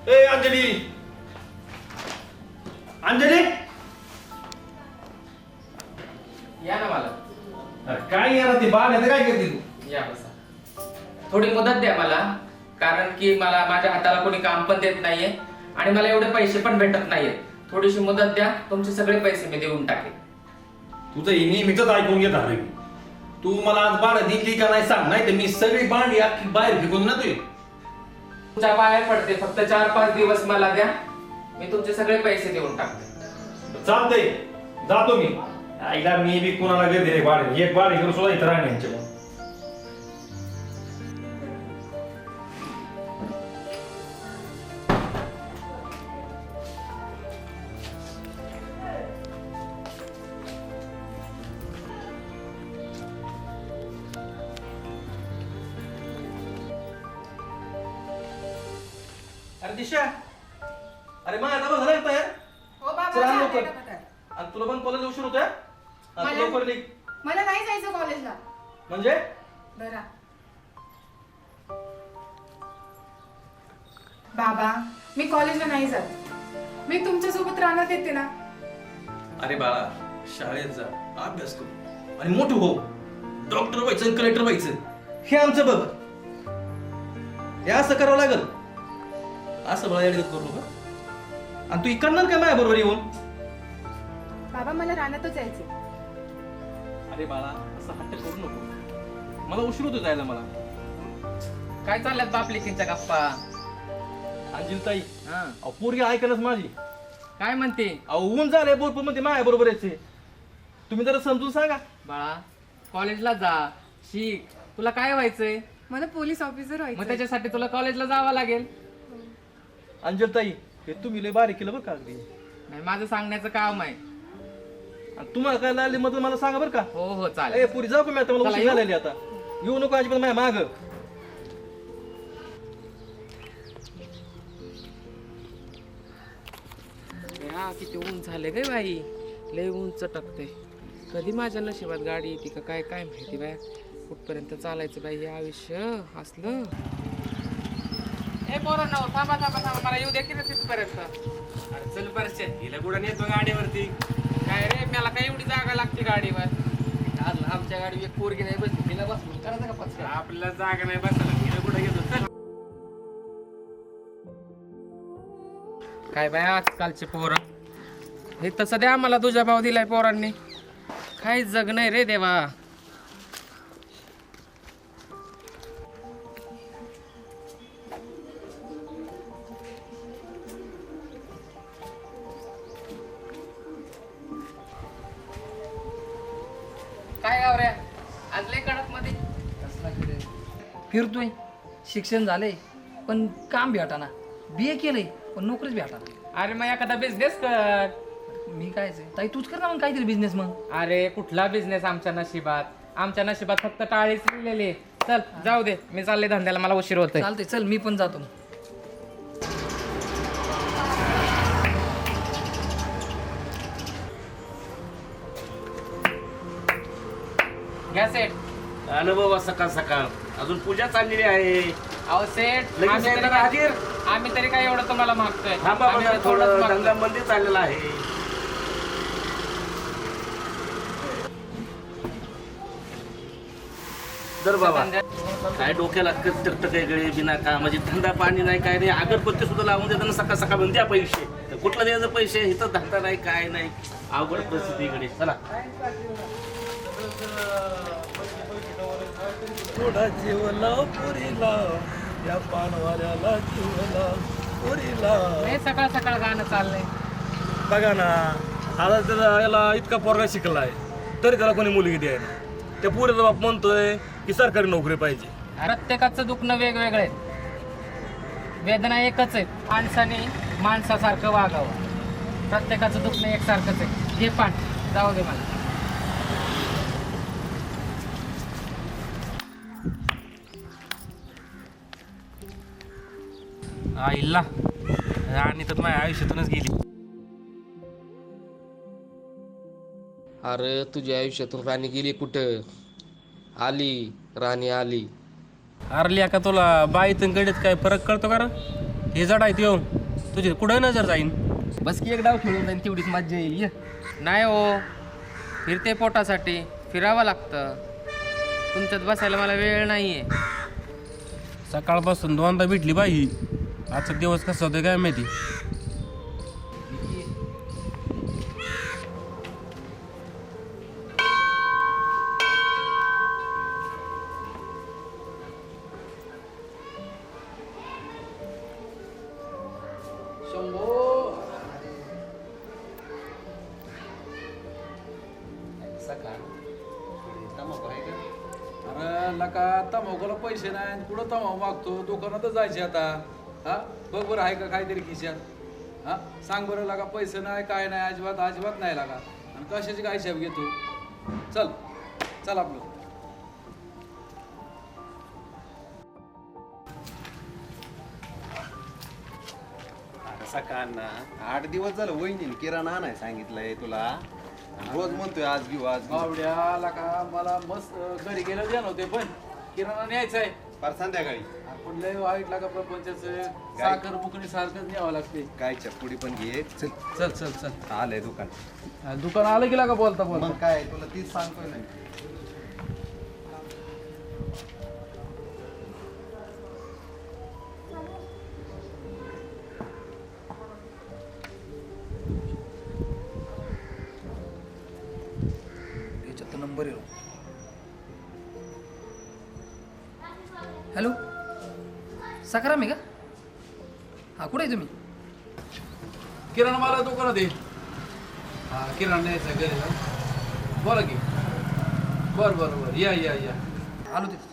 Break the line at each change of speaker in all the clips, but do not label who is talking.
ए अंजली, अंजली
या ना मला.
काय यार ती बाळ आहे काय करते तू?
या बसा. थोडी मदत द्या मला, कारण की मला माझ्या हाताला कोणी काम पण देत नाहीये आणि मला एवढे पैसे पण भेटत नाहीये. थोडीशी मदत द्या, तुमचे सगळे पैसे मी देऊन टाकेन.
तुझं हे नेहमीच ऐकून घेत आहे. तू मला आज बाळ दिली का नाही सांग, नाही तर मी सगळी भांडी अख्खी बाहेर फेकून ना तुझी.
तुमच्या बाहेर पडते, फक्त 4-5 दिवस मला द्या, मी तुमचे सगळे पैसे देऊन टाकते.
चालतंय, जातो मी. आईला मी बी कोणाला गर्दी रे बाळ, एक बाळ इकडे सुद्धा इथं राहणे यांच्या.
अरे दिशा, अरे मग आता झालं तयार.
हो बाबा,
चला
झाले
लवकर.
ना बघा.
आणि तुला पण कॉलेज उशीर होतोय.
मला-
लवकर निघ.
मला नाही जायचं कॉलेजला.
म्हणजे
बरा बाबा, मी कॉलेजला नाही जात. मी तुमच्या सोबत राहण्यात येते ना.
अरे बाळा, शाळेत जा, अभ्यास करू आणि मोठं हो. डॉक्टर व्हायचं, कलेक्टर व्हायचं, हे आमचं बघ. हे असं करावं लागल. असं बाळा येडगत करू नका. आणि तू करणार काय माझ्या बरोबर येऊन?
बाबा, मला राहण्यातच जायचे.
अरे बाळा, असं हट्ट करू नको. मला उशीर होतो जायला. मला
काय चालल्यात बापलेकींच्या गप्पा?
अंजिलताई,
हा,
अहो पोरगी ऐकलच माझी.
काय म्हणते?
अहो ऊन झालंय भरपूर, मध्ये माझ्या बरोबर यायचे. तुम्ही जरा समजून सांगा.
बाळा, कॉलेजला जा, शिक. तुला काय व्हायचंय?
मला पोलीस ऑफिसर
मग
व्हायचं.
त्याच्यासाठी तुला कॉलेजला जावं लागेल.
अंजलताई, हे तुम्ही लय बारीक केलं बरं का अगदी.
नाही, माझं सांगण्याचं काम आहे.
आणि तुम्हाला काय लागली मदत मला सांगा बरं का.
हो हो,
ए
चालेल.
पुरी जाऊ का मी आता, मला
चला,
उशीर
येऊ?
झालेली आता. येऊ नको अजिबात माझ्या माग.
हा, किती ऊन झाले गे बाई, लय ऊन चटकते. कधी माझ्या नशिबात गाडी येते का काय काय माहिती बाय. कुठपर्यंत चालायचं बाई हे आयुष्य असलं. ए पोरांनो, थांबा थांबा थांबा, मला येऊ दे की रे तिथपर्यंत. अरे चल परश्या, हिला कुठं नेतो गाडीवरती? काय रे, मला काय एवढी जागा लागते गाडीवर?
आज आमच्या गाडी एक पोरगी नाही बसली, तिला बसवून करायचं का पचका?
आपल्याला जागा नाही बसायला, हिला कुठं घेतो? चल. काय बाय आजकालचे पोरं, हे तसं द्या मला तुझ्या भाव दिलाय पोरांनी. काही जग नाही रे देवा. काय गाव रे, आज लय कडक मध्ये.
कसला किडे? फिरतोय, शिक्षण झालंय पण काम भेटाना. BA केलंय पण नोकरीच भेटाना.
अरे मग एखादा बिझनेस कर.
मी कायच आहे, ताई तूच कर ना मग काहीतरी बिझनेस. मग
अरे कुठला बिझनेस आमच्या नशिबात? आमच्या नशिबात फक्त टाळीच लिहिलेली. चल जाऊ दे, मी चालले धंद्याला, मला उशीर होतोय.
चालतंय, चल मी पण जातो.
घ्या सेट.
आलं बाबा सकाळ सकाळ, अजून पूजा चाललेली आहे.
अहो सेट,
लगेच
आम्ही तरी
येणार हाजीर.
आम्ही तरी काय एवढं तुम्हाला मागतोय?
थांबा
आम्ही
बघा,
तर थोडंच
थोडं
मागतोय.
धंदा मंदी चाललेला आहे. दर बाबा, काय डोक्याला टकटक आहे गळे बिना का, म्हणजे धंदा पाणी नाही काय नाही. अगरबत्ती सुद्धा लावून देताना सकाळ सकाळ म्हणून द्या पैसे. तर कुठला द्यायचं पैसे, इथं धंदा नाही काय नाही. अवघड परिस्थितीकडे चला.
थोडा जीवला पुरीला, या पानवाल्याला जीवला पुरीला.
हे सकाळ सकाळ गाणं चाललंय.
बघा ना, आता त्याला याला इतका पोरगा शिकलाय तरी त्याला कोणी मुलगी द्यायला. त्या पुरीचा बाप म्हणतोय की सरकारी नोकरी पाहिजे.
प्रत्येकाचं दुखणं वेगवेगळं आहे, वेदना एकच आहे. माणसाने माणसासारखं वागावं. प्रत्येकाचं दुखणं एकसारखंच आहे. हे पण जाऊ दे मला.
आईला आणि तर माझ्या आयुष्यातूनच गेली.
अरे तुझ्या आयुष्यातून राणी गेली कुठं? आली, राणी आली.
अरली का तुला बाईतून गडीत काय फरक कळतो का रे? हे जड आहेत येऊन
तुझी कुठं नजर जाईन.
बस की एक डाव खेळून जाईन तेवढीच मज्जा येईल ये.
नाही हो, फिरते पोटासाठी फिरावं लागतं. तुमच्यात बसायला मला वेळ नाही आहे.
सकाळपासून दोनदा भेटली बाई. आजचा दिवस कसा होता काय माहिती.
अरे लका तमाखूला पैसे नाही कुठं तमाखू मागतो दुकानातच जायचे आता. हा बघ बरं आहे का काहीतरी खिशात. हा सांग बरं लका पैसे नाही काय नाही अजिबात अजिबात नाही लागा. आणि कशाची काय हिशेब घेतो. चल चल आपलं.
सकाळ ना 8 दिवस झालं वहिनी किराणा नाही सांगितलंय तुला. रोज म्हणतोय आज घेऊ आज घेऊ.
बावड्या लका मला मस्त घरी गेलं द्या नव्हते पण किराणा न्यायचा आहे.
फार संध्याकाळी
आपण लय वाईट लागा प्रपंचाचं. साखर बुकणी सारखंच न्यावं लागते.
गायच्या पुढी पण घे. चल
चल चल चल
आलंय दुकान.
दुकान आलं की लागा बोलता बोलता.
मग काय तुला तीच सांगतोय नाही.
याच्यात नंबर येऊ. हॅलो सकाराम आहे का? हा कुठे आहे तुम्ही?
किराणा मला दुकानात आहे. हा किराणा न्यायचा आहे घरी जाऊन. बोला की. बरं बरं बरं या या या.
आलो तिथे.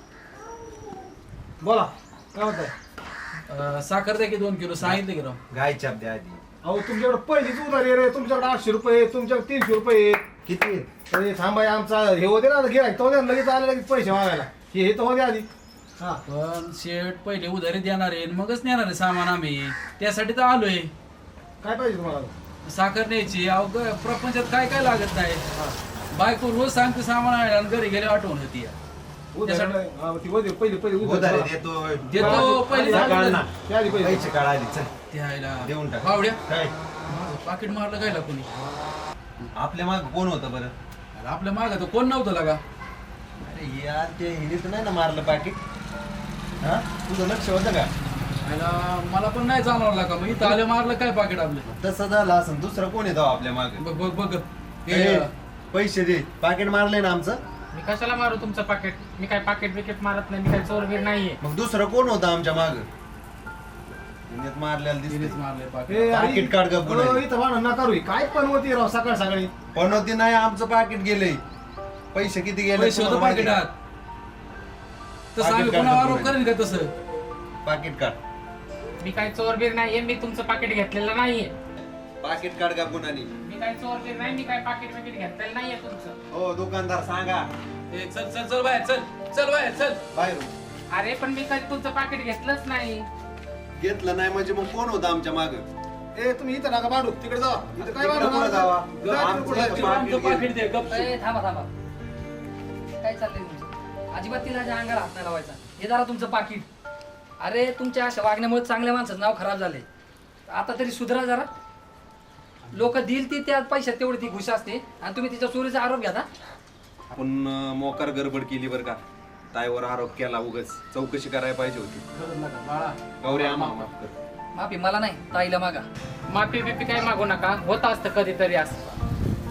बोला काय होत
साखर द्या की 2 किलो सांगितलं की राव.
गायच्या द्या आधी.
अहो तुमच्याकडे पहिलीच उधारी आहे रे. तुमच्याकडे 800 रुपये तुमच्याकडे 300 रुपये
किती
अरे थांबाय आमचा हे होते ना गिरायक तो लगेच आले लगेच पैसे मागायला. हे तर होते आधी. हा
पण शेट पहिले उधारी देणार आहे मगच नेणार आहे सामान आम्ही. त्यासाठी तर आलोय.
काय पाहिजे तुम्हाला?
साखर न्यायची. अहो प्रपंचात काय काय लागत नाही. बायको रोज सांगते सामान आणायला आणि घरी गेले आठवण होती.
उधारी नाही. हा, ती होते पहिली पहिली
उधारी
उधारी
देतोय.
देतो पहिले
सकाळ ना
त्या आधी पैसे
पैसे काढ आधी. चल
द्यायला.
देऊन टाक.
बावड्या
काय
पाकिट मारलं काय कोणी.
आपल्या माग कोण होतं बरं?
अरे आपल्या मागं तर कोण नव्हतं लागा.
अरे यार ते हिने तर नाही ना मारलं पाकिट. हा तुझं लक्ष होतं का?
मला पण नाही जाणवलं लागा. मग इथं आलं मारलं काय पाकिट आपलं.
तसं झालं असं दुसरं कोण येतो आपल्या माग?
बघ बघ बघ.
ए, पैसे दे. पाकिट मारले ना आमचं.
मी कशाला मारू तुमचं पाकिट? मी काय पाकिट बिकिट मारत नाही. मी काय चोरबीर नाहीये.
मग दुसरं कोण होतं आमच्या माग? हिनेच मारलेलं
तिनेच
दिसते.
मारले पाकिट.
ए, अरे,
पाकीट काढ गं पुढे.
हो, इथं भांडण नका करू. काय पण होती राव सकाळ सकाळी.
पण होती नाही आमचं पाकिट गेलंय. पैसे किती गेले
पैसे होतं
तुम्हाला माहिती
पाकिटात.
का?
तसं आम्ही
पाकीट
कोणावर
काढ
आरोप
गं
करेन का तसं.
पुढे. पाकिट काढ.
मी काय चोरबीर नाहीये. मी तुमचं पाकिट घेतलेलं नाहीये.
पाकिट काढ का कुणानी?
मी काय चोरबीर नाही. मी काय पाकिट बिकिट घेतलेलं नाहीये तुमचं.
हो दुकानदार सांगा.
ए, चल चल चल बाहेर चल. चल बाहेर चल.
बाहेर
अरे पण मी कधी तुमचं पाकिट घेतलंच नाही.
घेतलं नाही म्हणजे मग कोण होतं आमच्या माग?
ए तुम्ही इथं नका भांडू. तिकडे जावा. इथं काय
तिकडे कुठं जावा? आमचं
आमचं पाकिट दे गप.
ए, थांबा थांबा. काय चाललंय तुमचं? अजिबात तिला अंगाला हात नाही लावायचा. हे जरा तुमचं पाकिट. अरे तुमच्या अशा वागण्यामुळे चांगल्या माणसाचं नाव खराब झाले. आता तरी सुधरा जरा. लोक दिल ती त्या पैशात तेवढी ती घुस असते आणि तुम्ही तिच्या चोरीचा आरोप घ्या.
आपण मोकार गडबड केली बरं का? ताईवर आरोप केला उगाच. चौकशी करायला पाहिजे होती.
बाळा
गौरी आम्हाला माफ कर.
माफी मला नाही ताईला मागा.
माफी बिफी काय मागू नका. होत असतं कधीतरी असं.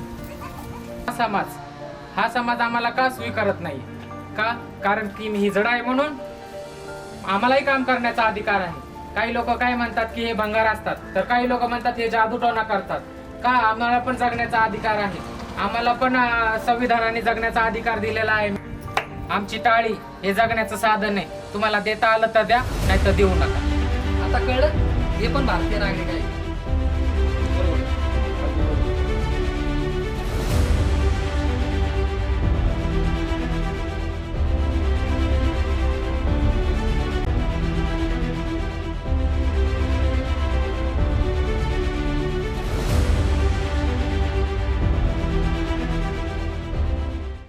हा समाज आम्हाला का स्वीकारत नाही? का? कारण की मी हिजडा आहे म्हणून. आम्हालाही काम करण्याचा अधिकार आहे. काही लोक काय म्हणतात की हे भंगार असतात, तर काही लोक म्हणतात हे जादूटोना करतात. का? आम्हाला पण जगण्याचा अधिकार आहे. आम्हाला पण संविधानाने जगण्याचा अधिकार दिलेला आहे. आमची टाळी हे जगण्याचं साधन आहे. तुम्हाला देता आलं तर द्या, नाही तर देऊ नका.
आता कळलं? हे पण भारतीय नागरिक आहे.